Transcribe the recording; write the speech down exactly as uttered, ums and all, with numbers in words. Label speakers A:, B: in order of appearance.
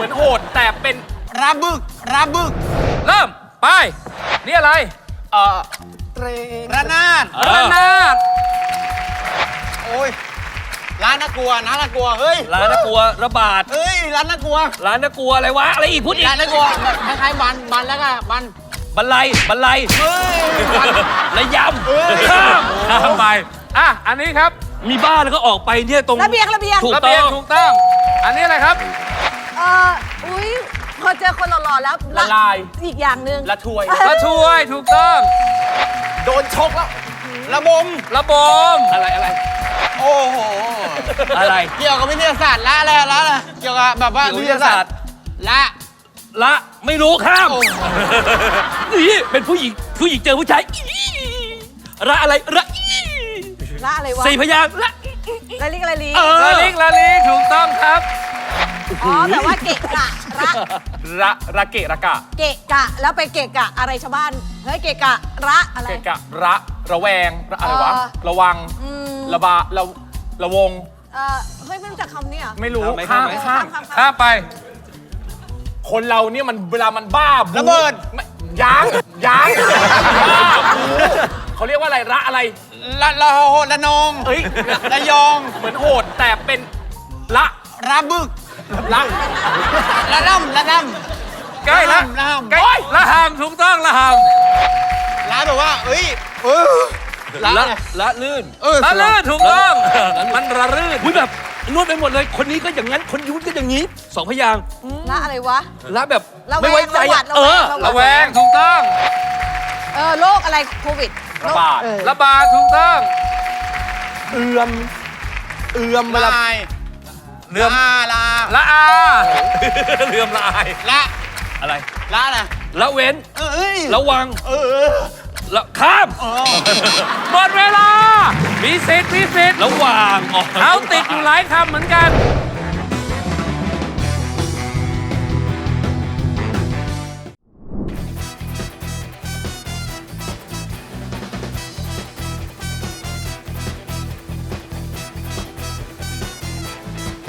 A: มือนโหดแต่เป็นระบึกระบึก
B: เริ่มไปนี่อะไร
A: เอ่อเตรระนาด
B: ระนาด
A: โอ้ยร้านน่ากลัวร้านน่ากลัวเฮ้ย
B: ร้านน่ากลัวระบาด
A: เฮ้ยร้านน่ากลัว
B: ร้านน่ากลัวอะไรวะอะไรอีกพูดอีก
A: ร้านน่ากลัวแบบคล้ายๆบันบันแล้วก็บัน
B: บันไลบันไล
A: เฮ้ยบัน
B: ระย
A: เอ้ย
B: ำข้ามข้ามไปอ่ะอันนี้ครับมีบ้านแล้วก็ออกไปเนี่ยตรง
C: ระเบียงระเบียง
B: ถูก
A: ระ
B: ต้
A: เบีย
B: อง ง
A: ถูกต้อง อันนี้อะไรครับ
C: เอออุ้ยพอเจอคนหล่อๆแล้ว
A: ละลาย
C: อีกอย่างหนึ่ง
A: ละถวย
B: ระช่วยถูกต้อง
A: โดนชกแล้วระบม
B: ระบมอะไรอะไร
A: โอ้โห
B: อะไร
A: เกี่ยวกับวิทยาศาสตร์ละอะไรละอะไรเกี่ยวกับแบบว่า
B: เกี่ยวกับ
A: วิทยาศาสตร์ละ
B: ละไม่รู้ข้าม
A: โอ้
B: นี่เป็นผู้หญิงผู้หญิงเจอผู้ชายอีระอะไรระอี
C: ละอะไรวะ
B: สี่พยางค์ละ
C: ละลิกละลี
B: เออ
A: ละลิกละลิกถูกต้องครับ
C: อ๋อแบบว่าเกะกะระ
A: ระระเกะระกะ
C: เกะกะแล้วไปเกะกะอะไรชาวบ้านเฮ้ยเกะกะระอะไร
A: เกะกะระระแวงระอะไรวะ
C: เออ
A: ระวัง
C: อืม
A: ระบาระระวง
C: เออเฮ้ยไม่รู้จักคำนี้เหรอ
A: ไม่รู้
B: ข้า
A: ข้าม ม
B: ไหม
A: ข้าม
C: ข้าม
B: ข้ามไป
A: คนเราเนี่ยมันเวลามันบ้าระเบิดยางยางบ้าบูเขาเรียกว่าอะไรระอะไรละละโหละนองเอ้ยระยองเหมือนโหดแต่เป็นละระบึกละละล่ำละล่ำ
B: ใกล้ละ
A: ละห่ำ
B: ใกล้ละหามถูกต้องละหาม
A: ละแบบว่าเอ้ยเออละ
B: ละ
A: ไง
B: ละลื่น
A: เออ
B: ละลื่นถูกต้อง มันระลื่นอุ้ยแบบนวดไปหมดเลย คนนี้ก็อย่างนั้น คนยุ้นก็อย่างนี้สองพยางค์
C: ละอะไรวะ
B: ละแบบ
C: ระแวง
B: ไม่ไว้ใจ
C: ระหวา
B: อะ
C: ด
B: เออ
C: ระแวง
B: ระแวงถูกต้อง
C: เออโรคอะไรโควิด
A: ระบาด
C: เออ
B: ระบาดถูกต้อง
A: เอือมเอือมเวลา
B: เลื่อม
A: ลาลา
B: ละอา เลื่อมละอาย
A: ละ
B: อะไร
A: ละนะ
B: ละเว้น
A: เอ้ย
B: ระวัง
A: เออ
B: ละข้าม
A: เออ
B: หมดเวลา มีสิทธิ์มีสิทธิ์ระหว่างอ๋อ
A: เขาติดอยู่หลายคำเหมือนกัน